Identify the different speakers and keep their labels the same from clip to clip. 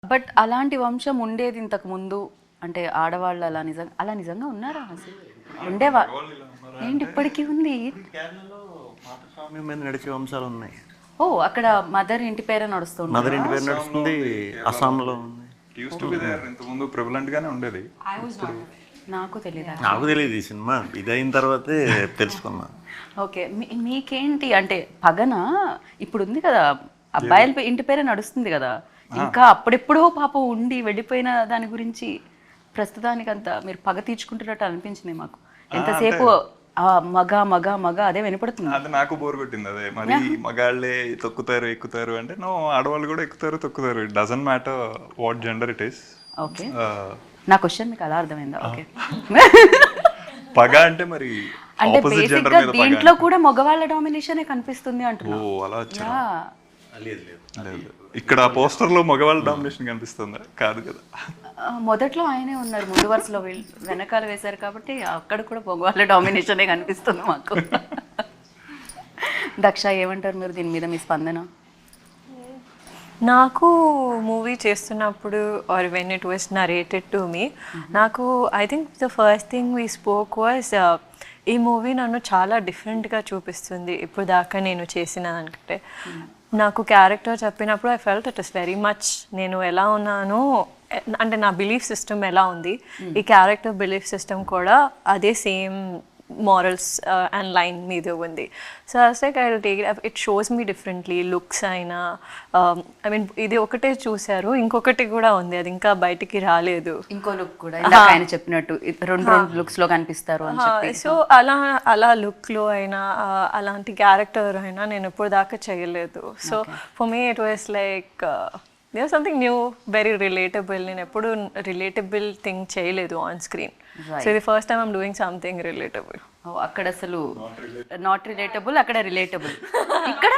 Speaker 1: But అలాంటి వంశం ఉండేది ఇంతకు ముందు అంటే ఆడవాళ్ళు అలా నిజంగా ఉన్నారా అసలు ఉండేవా ఏంటి ఇప్పటికీ ఉంది
Speaker 2: కేరళలో పాతస్వామ్యం మీద నడిచే వంశాలు ఉన్నాయి.
Speaker 1: ఓ అక్కడ మదర్ ఇంటి పేరే నడుస్తుంది
Speaker 2: మదర్ ఇంటి పేరు నడుస్తుంది, అస్సాంలో ఉంది.
Speaker 3: ఇంతకుముందు ప్రివలెంట్ గానే ఉండేది.
Speaker 1: నాకు తెలియదు
Speaker 2: నాకు తెలియదు ఈ సినిమా ఇది అయిన తర్వాతే తెలుసుకున్నా.
Speaker 1: ఓకే మీకేంటి అంటే పగన ఇప్పుడు ఉంది కదా అబ్బాయిల ఇంటి పేరే నడుస్తుంది కదా ఇంకా అప్పుడెప్పుడో పాపం ఉండి వెళ్ళిపోయిన దాని గురించి ప్రస్తుతానికి అంతా మీరు పగ తీర్చుకుంటున్నట్టు అనిపించింది మాకు. ఎంతసేపు మగ మగ మగ అదే వినపడుతుంది.
Speaker 3: అది నాకు బోర్ కొట్టింది. అదే మరి మగాళ్ళే తొక్కుతారు ఎక్కుతారు అంటే నో, ఆడవాళ్ళు కూడా ఎక్కుతారు తొక్కుతారు. It doesn't matter what gender it is.
Speaker 1: Okay నా క్వశ్చన్ మీకు అలా అర్థమైందా? ఓకే
Speaker 3: పగ అంటే మరి
Speaker 1: అంటే
Speaker 3: ఆపోజిట్ జెండర్
Speaker 1: బేసిక్గా
Speaker 3: మీద
Speaker 1: దీంట్లో కూడా మగవాళ్ళ డామినేషనే కనిపిస్తుంది అంటున్నా.
Speaker 3: ఓ అలా వచ్చా?
Speaker 2: లేదు లేదు
Speaker 3: లేదు. ఇక్కడ పోస్టర్ లో మగవాళ్ళ డామినేషన్ కనిపిస్తుందా? కాదు కదా.
Speaker 1: మొదట్లో ఆయనే ఉన్నారు ముందు వరుసలో, వెనకాల వేశారు కాబట్టి అక్కడ కూడా మగవాళ్ళ డామినేషనే కనిపిస్తుంది మాకు. దక్ష ఏమంటారు మీరు దీని మీద, మీ స్పందన?
Speaker 4: నాకు మూవీ చేస్తున్నప్పుడు or when it was narrated to me, నాకు I think the first thing we spoke was ఈ మూవీ నన్ను చాలా డిఫరెంట్గా చూపిస్తుంది ఇప్పుడు దాకా నేను చేసిన దానికంటే. నాకు క్యారెక్టర్ చెప్పినప్పుడు I felt it is very much నేను ఎలా ఉన్నానో అంటే నా బిలీఫ్ సిస్టమ్ ఎలా ఉంది, ఈ క్యారెక్టర్ బిలీఫ్ సిస్టమ్ కూడా అదే సేమ్ morals and line మీద ఉంది. So like I will take it shows me differently. Looks అయినా ఐ మీన్ ఇది ఒకటే చూశారు, ఇంకొకటి కూడా ఉంది అది ఇంకా బయటికి రాలేదు.
Speaker 1: ఇంకో లుక్ కూడా ఇందాక ఆయన చెప్పినట్టు రెండు లుక్స్ లో కనిపిస్తారు అని చెప్పి.
Speaker 4: సో అలా లుక్లో అయినా అలాంటి క్యారెక్టర్ అయినా నేను ఇప్పుడు దాకా చేయలేదు. So for me it was like there something new, very relatable. నేను ఎప్పుడు రిలేటబుల్ థింగ్ చేయలేదు ఆన్ స్క్రీన్. సో ఇది first time I'm doing something relatable.
Speaker 1: అక్కడ అసలు నాట్ రిలేటబుల్, అక్కడ రిలేటబుల్. ఇక్కడ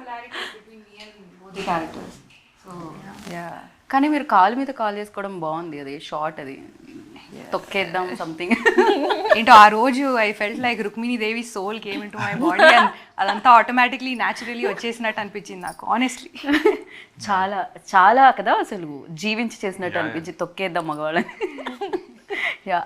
Speaker 1: కానీ మీరు కాలు మీద కాల్ చేసుకోవడం బాగుంది, అది షార్ట్, అది తొక్కేద్దాం సంథింగ్.
Speaker 5: ఏంటో ఆ రోజు I felt like Rukmini Devi soul came into my body and అదంతా ఆటోమేటిక్లీ న్యాచురలీ వచ్చేసినట్టు అనిపించింది నాకు ఆనెస్ట్లీ.
Speaker 1: చాలా చాలా కదా అసలు జీవించి చేసినట్టు అనిపించి తొక్కేద్దాం మగవాళ్ళని. యా